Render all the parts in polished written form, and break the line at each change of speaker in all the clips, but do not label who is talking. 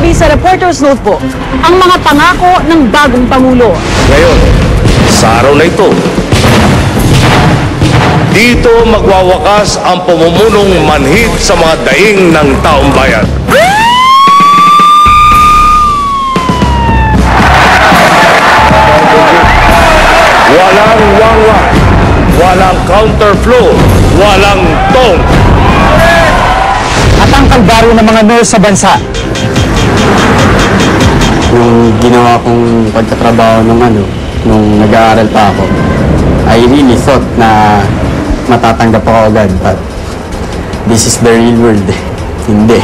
Kagabi sa Reporter's Notebook, ang mga pangako ng bagong Pangulo.
Ngayon, sa araw na ito, dito magwawakas ang pumumunong manhid sa mga daing ng taong bayan. Walang wangwang, walang counterflow, walang tong.
At ang kalbaryo ng mga nurse sa bansa.
Nung ginawa kong pagtatrabaho nung nag-aaral pa ako, I really thought na matatanggap ako agad, but this is the real world. Hindi.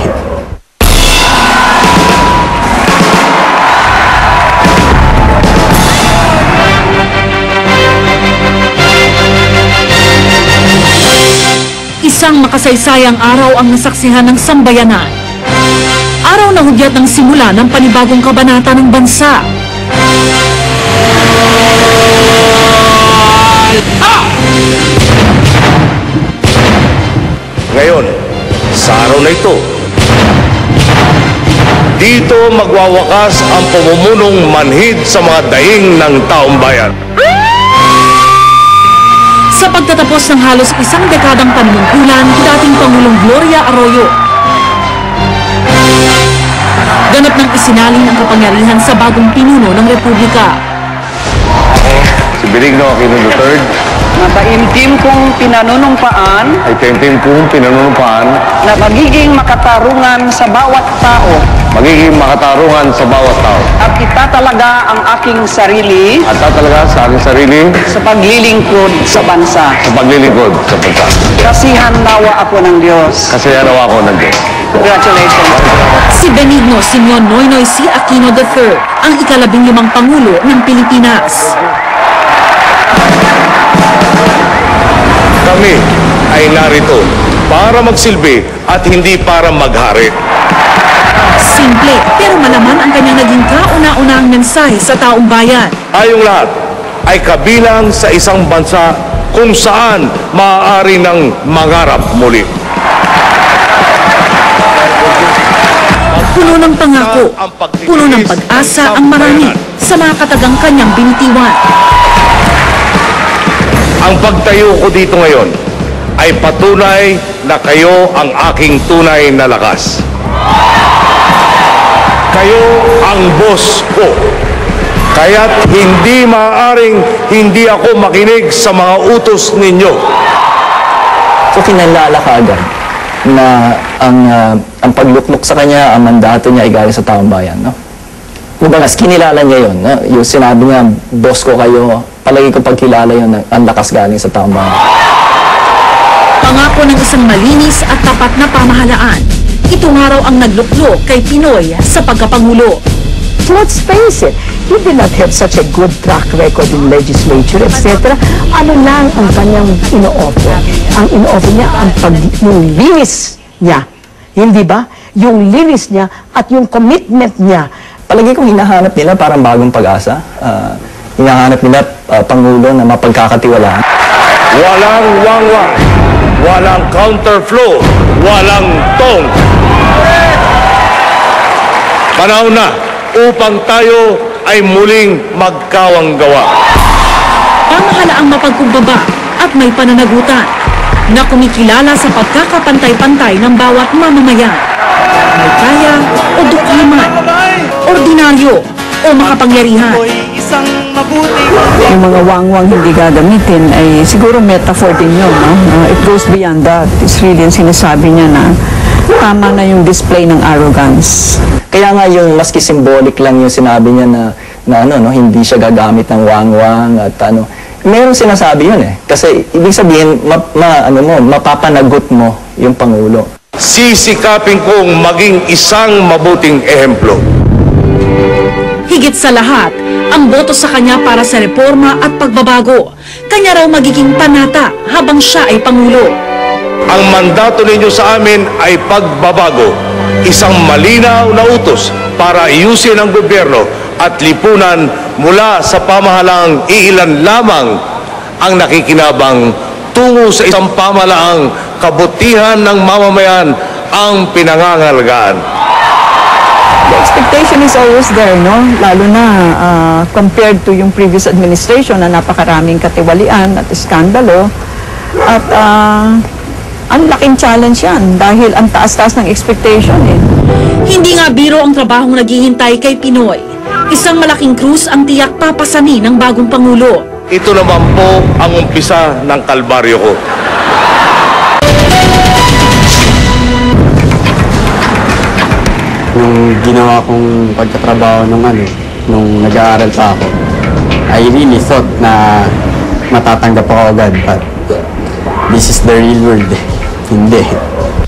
Isang makasaysayang araw ang nasaksihan ng sambayanan. Araw na hudyat ng simula ng panibagong kabanata ng bansa.
Ngayon, sa araw na ito, dito magwawakas ang pumumunong manhid sa mga daing ng taong bayan.
Sa pagtatapos ng halos isang dekadang panunungkulan, dating Pangulong Gloria Arroyo ganap ng isinalin ang kapangyarihan sa bagong pinuno ng Republika.
Si Benigno Aquino III
Mataimtim kong pinanunumpaan
ay temtem kong pinanunumpaan,
na magiging makatarungan sa bawat tao
magiging makatarungan sa bawat tao,
at itatalaga ang aking sarili
at tatalaga sa aking sarili
sa paglilingkod sa bansa.
sa paglilingkod sa bansa.
Kasihan nawa ako ng Diyos.
Kasi nawa ko ng Diyos.
Congratulations.
Si Benigno Simeon Noynoy C. Aquino III, ang ika-15 Pangulo ng Pilipinas.
Kami ay narito para magsilbi at hindi para maghari.
Simple pero malaman ang kanyang naging kauna-unahang mensahe sa taong bayan.
Tayong lahat ay kabilang sa isang bansa kung saan maaari ng mangarap muli.
Puno ng pangako, puno ng pag-asa ang marami sa mga katagang kanyang binitiwan.
Ang pagtayo ko dito ngayon ay patunay na kayo ang aking tunay na lakas. Kayo ang boss ko. Kaya't hindi maaaring hindi ako makinig sa mga utos ninyo.
So kinalala ka agad na ang paglukmok sa kanya, ang mandato niya ay galing sa taong bayan, no? Kumbaga, kinilala niya yun, no? Yung sinabi niya, boss ko kayo, palagi ko pagkilala yun, ang lakas galing sa taong bayan.
Pangako ng isang malinis at tapat na pamahalaan. Ito nga raw ang nagluklok kay Pinoy sa pagkapangulo.
Let's face it, he did not have such a good track record in legislature, etc. Ano lang ang kanyang ino-offer? Ang ino-offer niya, yung linis niya. Hindi ba? Yung linis niya at yung commitment niya.
Palagi kong hinahanap nila parang bagong pag-asa. Hinahanap nila Pangulo na mapagkakatiwalaan.
Walang wangwang, walang counterflow, walang tong. Panahon na upang tayo ay muling magkawanggawa.
Pamahalaang mapagkumbaba at may pananagutan na kumikilala sa pagkakapantay-pantay ng bawat mamamayan. May kaya o dukiman, ordinaryo o makapangyarihan.
Yung mga wangwang hindi gagamitin ay siguro metaphor din yun, no? It goes beyond that. It's really yung sinasabi niya na tama na yung display ng arrogance.
Kaya nga yung maski symbolic lang yung sinabi niya na hindi siya gagamit ng wangwang at Merong sinasabi yun eh. Kasi ibig sabihin, mapapanagot mo yung Pangulo.
Sisikapin kong maging isang mabuting ehemplo.
Higit sa lahat, ang boto sa kanya para sa reforma at pagbabago. Kanya raw magiging panata habang siya ay Pangulo.
Ang mandato ninyo sa amin ay pagbabago. Isang malinaw na utos para ayusin ang gobyerno at lipunan mula sa pamahalaang iilan lamang ang nakikinabang tungo sa isang pamahalaang kabutihan ng mamamayan ang pinangangalagaan.
The expectation is always there, no? Lalo na compared to yung previous administration na napakaraming katiwalian at iskandalo. At ang laking challenge yan dahil ang taas-taas ng expectation eh.
Hindi nga biro ang trabahong naghihintay kay Pinoy. Isang malaking krus ang tiyak papasani ng bagong Pangulo.
Ito naman po ang umpisa ng kalbaryo ko.
Nung ginawa kong pagkatrabaho nung nag-aaral pa ako, I really thought na matatanggap ako agad, but this is the real world. Hindi.